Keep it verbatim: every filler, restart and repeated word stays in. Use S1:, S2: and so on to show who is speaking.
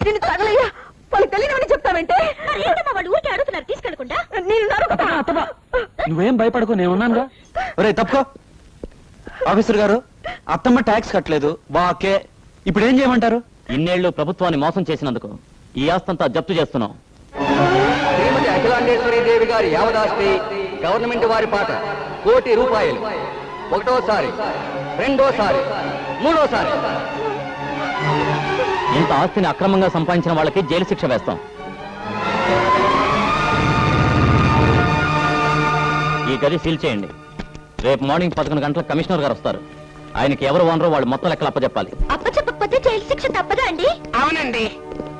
S1: నేను తగలయ్యా, వాళ్ళకి తెలియనివని చెప్తావంటే
S2: వాళ్ళు ఊరికే అడుగుతున్నారు తీసుకెళ్ళకుండా.
S1: నేను
S3: నువ్వేం భయపడకు, నేను ఉన్నానుగా. ఒరే తప్పుకో. ఆఫీసర్ గారు, అత్తమ్మ ట్యాక్స్ కట్టలేదు, వాకే. ఇప్పుడు ఏం చేయమంటారు?
S4: ఇన్నేళ్లు ప్రభుత్వాన్ని మోసం చేసినందుకు ఈ ఆస్తంతా జప్తు చేస్తున్నాం.
S5: శ్రీమతి అఖిలాండేశ్వరి దేవి గారి యావదాస్తి గవర్నమెంట్ వారి పాట కోటి రూపాయలు. ఒకటోసారి, రెండోసారి, మూడోసారి.
S4: ఇంత ఆస్తిని అక్రమంగా సంపాదించిన వాళ్ళకి జైలు శిక్ష వేస్తాం. ఈ గది సీల్ చేయండి. రేపు మార్నింగ్ పదకొండు గంటలకు కమిషనర్ గారు వస్తారు. ఆయనకి ఎవరు ఓనరో వాళ్ళు మొత్తం లెక్కలు అప్పచెప్పాలి.
S2: అప్పచెప్పకపోతే జైలు శిక్ష తప్పదా అండి?
S1: అవునండి.